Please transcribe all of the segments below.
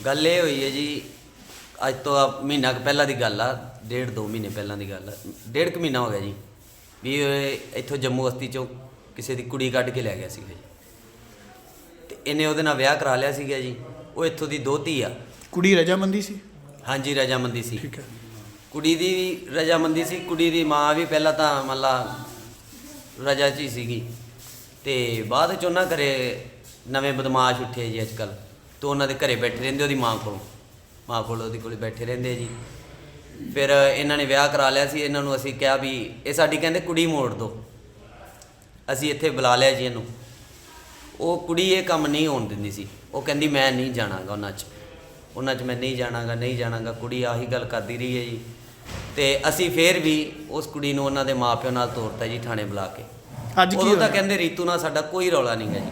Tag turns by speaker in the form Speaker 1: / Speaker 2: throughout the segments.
Speaker 1: ਗੱਲ ਇਹ ਹੋਈ ਹੈ ਜੀ, ਅੱਜ ਤੋਂ ਮਹੀਨਾ ਕੁ ਪਹਿਲਾਂ ਦੀ ਗੱਲ ਆ, 1.5-2 ਮਹੀਨੇ ਪਹਿਲਾਂ ਦੀ ਗੱਲ ਆ, 1.5 ਕੁ ਮਹੀਨਾ ਹੋ ਗਿਆ ਜੀ ਵੀ ਇਹ ਇੱਥੋਂ ਜੰਮੂ ਬਸਤੀ 'ਚੋਂ ਕਿਸੇ ਦੀ ਕੁੜੀ ਕੱਢ ਕੇ ਲੈ ਗਿਆ ਸੀਗਾ ਜੀ, ਅਤੇ ਇਹਨੇ ਉਹਦੇ ਨਾਲ ਵਿਆਹ ਕਰਾ ਲਿਆ ਸੀਗਾ ਜੀ। ਉਹ ਇੱਥੋਂ ਦੀ ਦੋਹਤੀ ਆ।
Speaker 2: ਕੁੜੀ ਰਜਾਮੰਦੀ ਸੀ?
Speaker 1: ਹਾਂਜੀ ਰਜਾਮੰਦੀ ਸੀ।
Speaker 2: ਠੀਕ ਹੈ।
Speaker 1: ਕੁੜੀ ਦੀ ਵੀ ਰਜਾਮੰਦੀ ਸੀ, ਕੁੜੀ ਦੀ ਮਾਂ ਵੀ ਪਹਿਲਾਂ ਤਾਂ ਮਤਲਬ ਰਜਾ 'ਚ ਹੀ ਸੀਗੀ, ਅਤੇ ਬਾਅਦ 'ਚ ਉਹਨਾਂ ਘਰੇ ਨਵੇਂ ਬਦਮਾਸ਼ ਉੱਠੇ ਜੀ ਅੱਜ ਕੱਲ੍ਹ, ਅਤੇ ਉਹਨਾਂ ਦੇ ਘਰੇ ਬੈਠੇ ਰਹਿੰਦੇ ਉਹਦੀ ਮਾਂ ਕੋਲ ਉਹਦੇ ਕੋਲ ਬੈਠੇ ਰਹਿੰਦੇ ਜੀ। ਫਿਰ ਇਹਨਾਂ ਨੇ ਵਿਆਹ ਕਰਾ ਲਿਆ ਸੀ। ਇਹਨਾਂ ਨੂੰ ਅਸੀਂ ਕਿਹਾ ਵੀ ਇਹ ਸਾਡੀ ਕਹਿੰਦੇ ਕੁੜੀ ਮੋੜ ਦਿਓ, ਅਸੀਂ ਇੱਥੇ ਬੁਲਾ ਲਿਆ ਜੀ ਇਹਨੂੰ। ਉਹ ਕੁੜੀ ਇਹ ਕੰਮ ਨਹੀਂ ਹੋਣ ਦਿੰਦੀ ਸੀ, ਉਹ ਕਹਿੰਦੀ ਮੈਂ ਨਹੀਂ ਜਾਣਾਗਾ ਉਹਨਾਂ 'ਚ ਮੈਂ ਨਹੀਂ ਜਾਣਾਗਾ। ਕੁੜੀ ਆਹੀ ਗੱਲ ਕਰਦੀ ਰਹੀ ਹੈ ਜੀ, ਅਤੇ ਅਸੀਂ ਫਿਰ ਵੀ ਉਸ ਕੁੜੀ ਨੂੰ ਉਹਨਾਂ ਦੇ ਮਾਂ ਪਿਓ ਨਾਲ ਤੋਰਤਾ ਜੀ ਥਾਣੇ ਬੁਲਾ ਕੇ।
Speaker 2: ਅੱਜ ਕੀ
Speaker 1: ਉਦੋਂ ਤਾਂ ਕਹਿੰਦੇ ਰੀਤੂ ਨਾਲ ਸਾਡਾ ਕੋਈ ਰੌਲਾ ਨਹੀਂ ਹੈ ਜੀ।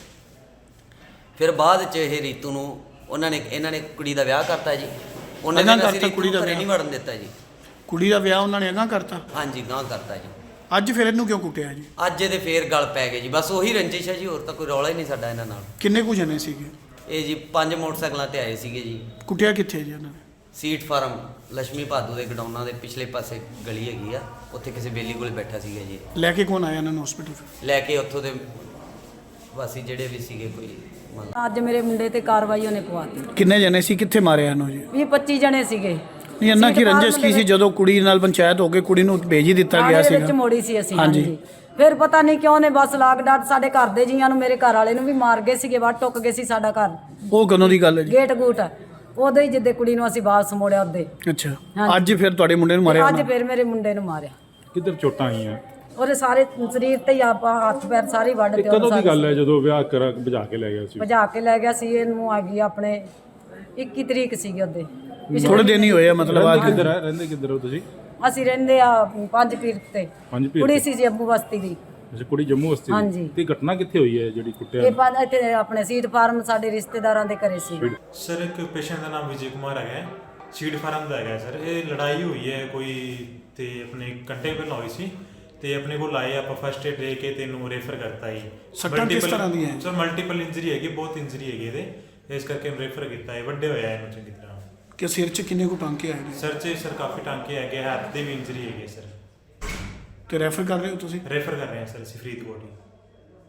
Speaker 1: ਫਿਰ ਬਾਅਦ 'ਚ ਇਹ ਰੀਤੂ ਨੂੰ ਇਹਨਾਂ ਨੇ ਕੁੜੀ ਦਾ ਵਿਆਹ ਕਰਤਾ ਜੀ। ਉਹਨਾਂ ਨੇ ਅਸੀਂ ਕੁੜੀ ਦਾ ਘਰੇ ਨਹੀਂ ਵੜਨ ਦਿੱਤਾ ਜੀ।
Speaker 2: ਕੁੜੀ ਦਾ ਵਿਆਹ ਉਹਨਾਂ ਨੇ ਅਗਾਂਹ ਕਰਤਾ?
Speaker 1: ਹਾਂਜੀ ਗਾਂਹ ਕਰਤਾ ਜੀ।
Speaker 2: ਅੱਜ ਫਿਰ ਇਹਨੂੰ ਕਿਉਂ ਕੁੱਟਿਆ ਜੀ?
Speaker 1: ਅੱਜ ਇਹਦੇ ਫੇਰ ਗੱਲ ਪੈ ਗਏ ਜੀ, ਬਸ ਉਹੀ ਰੰਜਿਸ਼ ਹੈ ਜੀ, ਹੋਰ ਤਾਂ ਕੋਈ ਰੌਲਾ ਹੀ ਨਹੀਂ ਸਾਡਾ ਇਹਨਾਂ ਨਾਲ।
Speaker 2: ਕਿੰਨੇ ਕੁ ਜਣੇ ਸੀਗੇ
Speaker 1: ਇਹ ਜੀ 5 ਮੋਟਰਸਾਈਕਲਾਂ ਤੇ ਆਏ ਸੀਗੇ ਜੀ।
Speaker 2: ਕੁੱਟਿਆ ਕਿੱਥੇ ਜੀ ਉਹਨਾਂ ਨੇ?
Speaker 1: ਸੀਟ ਫਾਰਮ ਲక్ష్ਮੀ ਭਾਦੂ ਦੇ ਗਡਾਊਨਾਂ ਦੇ ਪਿਛਲੇ ਪਾਸੇ ਗਲੀ ਹੈਗੀ ਆ, ਉੱਥੇ ਕਿਸੇ ਬੇਲੀ ਕੋਲ ਬੈਠਾ ਸੀਗਾ ਜੀ।
Speaker 2: ਲੈ ਕੇ ਕੌਣ ਆਇਆ ਇਹਨਾਂ ਨੂੰ ਹਸਪੀਟਲ?
Speaker 1: ਲੈ ਕੇ ਉੱਥੋਂ ਦੇ ਵਾਸੀ ਜਿਹੜੇ ਵੀ ਸੀਗੇ ਕੋਈ
Speaker 3: ਅੱਜ ਮੇਰੇ ਮੁੰਡੇ ਤੇ ਕਾਰਵਾਈ ਉਹਨੇ ਪਵਾਤੀ।
Speaker 2: ਕਿੰਨੇ ਜਣੇ ਸੀ? ਕਿੱਥੇ ਮਾਰਿਆ ਇਹਨੂੰ ਜੀ?
Speaker 3: 20-25 ਜਣੇ ਸੀਗੇ।
Speaker 2: ਨਹੀਂ ਇਹਨਾਂ ਕੀ ਰੰਜਿਸ਼ ਕੀ ਸੀ ਜਦੋਂ ਕੁੜੀ ਨਾਲ ਪੰਚਾਇਤ ਹੋ ਕੇ ਕੁੜੀ ਨੂੰ ਭੇਜ ਹੀ ਦਿੱਤਾ ਗਿਆ ਸੀ?
Speaker 3: ਵਿੱਚ ਮੋੜੀ ਸੀ ਅਸੀਂ। ਹਾਂਜੀ। ਫਿਰ ਪਤਾ ਨਹੀਂ ਕਿਉਂ ਨੇ ਬਸ ਲਾਗ ਡਾਟ ਸਾਡੇ ਘਰ ਦੇ ਜੀਆਂ ਨੂੰ, ਮੇਰੇ ਘਰ ਵਾਲੇ ਨੂੰ ਵੀ ਮਾਰ ਗਏ ਸੀਗੇ, ਵੱਟ ਟੁੱਕ ਗਏ ਸੀ ਸਾਡਾ ਘਰ।
Speaker 2: ਉਹ ਕਦੋਂ ਦੀ ਗੱਲ ਹੈ ਜੀ?
Speaker 3: ਗੇਟ ਗੂਟ ਉਦੋਂ ਹੀ ਜਿੱਦੇ ਕੁੜੀ ਨੂੰ ਅਸੀਂ ਵਾਪਸ ਮੋੜਿਆ ਉਹਦੇ।
Speaker 2: ਅੱਛਾ। ਅੱਜ ਫਿਰ ਤੁਹਾਡੇ ਮੁੰਡੇ ਨੂੰ ਮਾਰਿਆ?
Speaker 3: ਅੱਜ ਫਿਰ ਮੇਰੇ ਮੁੰਡੇ ਨੂੰ ਮਾਰਿਆ।
Speaker 4: ਕਿੱਧਰ ਚੋਟਾਂ ਆਈਆਂ?
Speaker 3: ਉਹਦੇ ਸਾਰੇ ਸਰੀਰ ਤੇ ਹੀ ਆਪਾਂ ਹੱਥ ਪੈਰ ਸਾਰੇ ਵੱਢ ਤੇ।
Speaker 4: ਕਦੋਂ ਦੀ ਗੱਲ ਹੈ ਜਦੋਂ ਵਿਆਹ ਭਜਾ ਕੇ ਲੈ ਗਿਆ ਸੀ?
Speaker 3: ਭਜਾ ਕੇ ਲੈ ਗਿਆ ਸੀ ਇਹਨੂੰ। ਆ ਗਈ ਆਪਣੇ 21 ਤਰੀਕ ਸੀਗੀ ਉਹਦੇ।
Speaker 2: ਥੋੜੇ ਦਿਨ ਹੀ ਹੋਏ ਆ ਮਤਲਬ?
Speaker 4: ਰਹਿੰਦੇ ਕਿੱਧਰ ਹੋ ਤੁਸੀਂ?
Speaker 3: ਅਸੀਂ ਰਹਿੰਦੇ ਆ 5 ਪੀਰ ਤੇ। ਕੁੜੀ ਸੀ ਜੰਮੂ ਬਸਤੀ ਦੀ।
Speaker 4: ਅੱਛਾ, ਕੁੜੀ ਜੰਮੂ ਬਸਤੀ ਦੀ। ਤੇ ਘਟਨਾ ਕਿੱਥੇ ਹੋਈ ਹੈ ਜਿਹੜੀ ਕੁੱਟਿਆ?
Speaker 3: ਇਹ ਪੰਜ ਇੱਥੇ ਆਪਣੇ ਸੀਟ ਫਾਰਮ ਸਾਡੇ ਰਿਸ਼ਤੇਦਾਰਾਂ ਦੇ ਘਰੇ ਸੀ।
Speaker 5: ਸਰ ਇੱਕ ਪੇਸ਼ੈਂਟ ਦਾ ਨਾਮ ਵਿਜੇ ਕੁਮਾਰ ਹੈਗਾ, ਸੀਟ ਫਾਰਮ ਦਾ ਹੈਗਾ ਸਰ। ਇਹ ਲੜਾਈ ਹੋਈ ਹੈ ਕੋਈ ਤੇ ਆਪਣੇ ਘੰਟੇ ਪਹਿਲਾਂ ਹੋਈ ਸੀ, ਤੇ ਆਪਣੇ ਕੋਲ ਆਏ ਆਪਾਂ ਫਸਟ ਏਡ ਦੇ ਕੇ ਤੈਨੂੰ ਰੈਫਰ ਕਰਤਾ ਜੀ।
Speaker 2: ਸੱਟਾਂ ਕਿਸ ਤਰ੍ਹਾਂ ਦੀਆਂ?
Speaker 5: ਸਰ ਮਲਟੀਪਲ ਇੰਜਰੀ ਹੈਗੀ, ਬਹੁਤ ਇੰਜਰੀ ਹੈਗੀ ਇਹਦੇ, ਇਸ ਕਰਕੇ ਰੈਫਰ ਕੀਤਾ ਹੈ। ਵੱਡੇ ਹੋਇਆ ਇਹਨੂੰ ਚੰਗੀ ਤਰ੍ਹਾਂ।
Speaker 2: ਕਿ ਸਿਰ 'ਚ ਕਿੰਨੇ ਕੁ ਟਾਂਕੇ ਆਏ ਨੇ?
Speaker 5: ਸਰ 'ਚ ਸਰ ਕਾਫੀ ਟਾਂਕੇ ਹੈਗੇ, ਹੱਥ ਦੇ ਵੀ ਇੰਜਰੀ ਹੈਗੇ ਸਰ।
Speaker 2: ਤੇ ਰੈਫਰ ਕਰ ਰਹੇ ਹੋ ਤੁਸੀਂ?
Speaker 5: ਰੈਫਰ ਕਰ ਰਹੇ ਹਾਂ ਸਰ ਅਸੀਂ ਫਰੀਦਕੋਟ ਹੀ।